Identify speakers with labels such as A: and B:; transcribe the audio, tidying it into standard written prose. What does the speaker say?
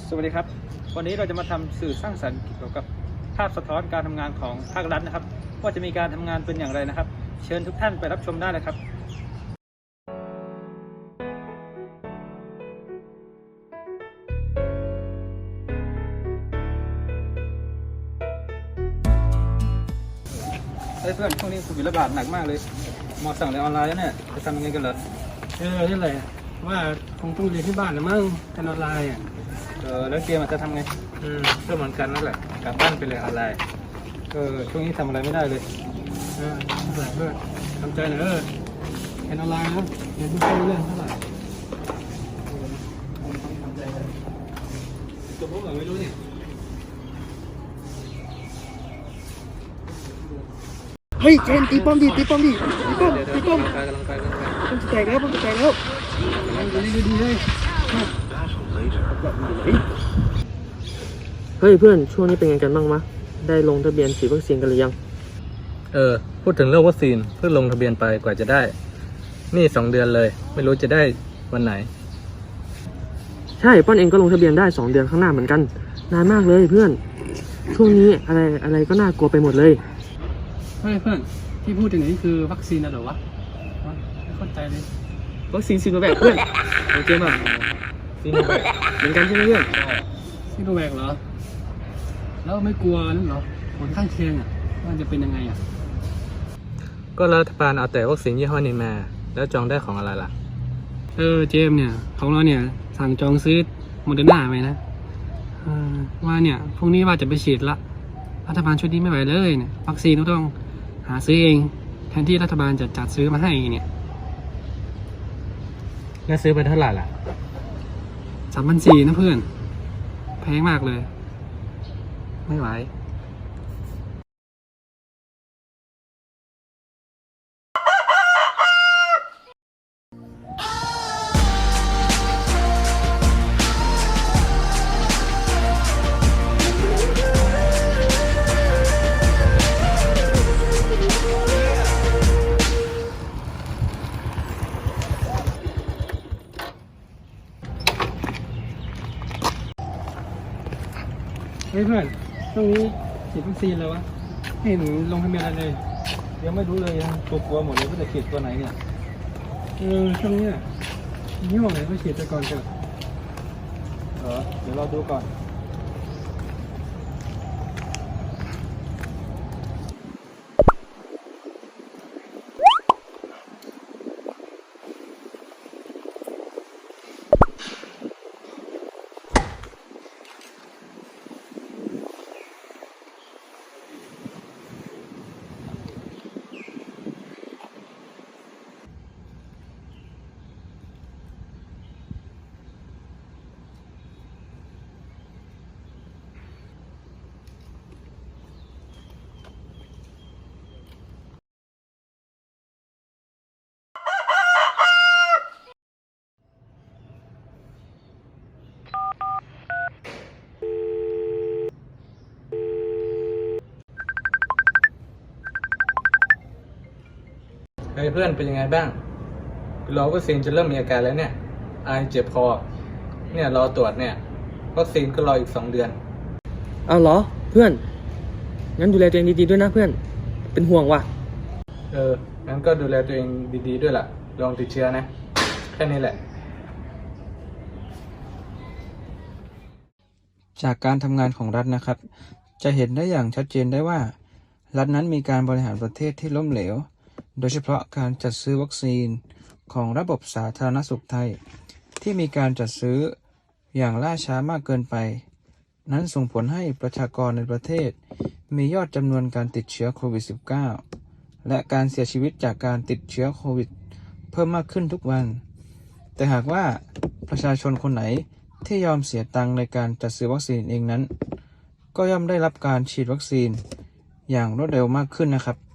A: สวัสดีครับวันนี้เราจะมาทำสื่อสร้างสรรค์เกี่ยวกับภาพสะท้อนการทำงานของภาครัฐนะครับว่าจะมีการทำงานเป็นอย่างไรนะครับเชิญทุกท่านไปรับชมได้เลยครับเพื่อนช่วงนี้โควิดระบาดหนักมากเลยหมอสั่งเรียนออนไลน์แล้วเนี่ยจะทำยังไงกันเหรอ
B: นี่แหละว่าคงต้องเรียนที่บ้านนะมั้งการออนไลน์อ่ะ
A: แล้วเกมจะทำไง
B: ก็เหมือนกันนั่นแหละกลับบ้านไปเลยออนไลน์
A: ช่วงนี้ทำอะไรไม่ได้เลย
B: นั่นแหละเพื่อนทำใจหน่อยเรียนออนไลน์นะเรียนไม่ค่อยรู้เรื่องเท่าไหร่
A: จบพวกเราไม่รู้เนี่ย
B: เฮ้ยเจนตีป้อมดิตีป้อมกำลังไปป้อมจะแตกแล้วป้อมจะแตกแล้วดีเลย
C: เฮ้ยเพื่อนช่วงนี้เป็นไงกันบ้างมะได้ลงทะเบียนฉีดวัคซีนกันหรือยัง
D: พูดถึงเรื่องวัคซีนเพิ่งลงทะเบียนไปกว่าจะได้นี่2 เดือนเลยไม่รู้จะได้วันไหน
C: ใช่ป้อนเองก็ลงทะเบียนได้2 เดือนข้างหน้าเหมือนกันนานมากเลยเพื่อนช่วงนี้อะไรก็น่ากลัวไปหมดเลย
B: เฮ้ยเพื่อนที่พูดถึงนี้คือวัคซีนนะเหรอวะไม่เข้าใจเลย
C: วัคซีนซีโนแวคเพื่อนโอเคป่ะซีโนแวคเหมือนกันใช่ไหมเพื่อน
B: ซีโนแวคเหรอแล้วไม่กลัวนั่นเหรอผลข้างเคียงอ่ะมันจะเป็นยังไงอ่ะ
D: ก็รัฐบาลเอาแต่วัคซีนยี่ห้อนี้มาแล้วจองได้ของอะไรล่ะ
B: เจมเนี่ยของเราเนี่ยสั่งจองซื้อโมเดอร์นาไปนะว่าเนี่ยพรุ่งนี้ว่าจะไปฉีดละรัฐบาลชุดนี้ไม่ไหวเลยเนี่ยวัคซีนเราต้องหาซื้อเองแทนที่รัฐบาลจะจัดซื้อมาให้เนี่ย
D: แล้วซื้อไปเท่าไหร่ล่ะ
B: 3,400นะเพื่อนแพงมากเลยไม่ไหวเฮ้ยเพื่อนช่วงนี้ฉีดวัคซีนแล้ววะไม่เห็นลงทะเบียนอะไรเลย
A: ยังไม่รู้เลยตัวกลัวหมดเลยว่าจะฉีดตัวไหนเนี่ย
B: ช่วงนี้ยี่ห้อไหนก็ฉีดไปก่อนเถอะ
A: เดี๋ยวเราดูก่อน
D: เฮ้ยเพื่อนเป็นยังไงบ้างรอวัคซีนจะเริ่มมีอาการแล้วเนี่ยไอเจ็บคอเนี่ยรอตรวจเนี่ยวัคซีนก็รออีก2 เดือน
C: เอาเหรอเพื่อนงั้นดูแลตัวเองดีๆด้วยนะเพื่อนเป็นห่วงว่ะ
D: งั้นก็ดูแลตัวเองดีๆด้วยล่ะลองติดเชื้อนะแค่นี้แหละจากการทำงานของรัฐนะครับจะเห็นได้อย่างชัดเจนได้ว่ารัฐนั้นมีการบริหารประเทศที่ล้มเหลวโดยเฉพาะการจัดซื้อวัคซีนของระบบสาธารณสุขไทยที่มีการจัดซื้ออย่างล่าช้ามากเกินไปนั้นส่งผลให้ประชากรในประเทศมียอดจำนวนการติดเชื้อโควิด -19 และการเสียชีวิตจากการติดเชื้อโควิดเพิ่มมากขึ้นทุกวันแต่หากว่าประชาชนคนไหนที่ยอมเสียตังค์ในการจัดซื้อวัคซีนเองนั้นก็ย่อมได้รับการฉีดวัคซีนอย่างรวดเร็วมากขึ้นนะครับ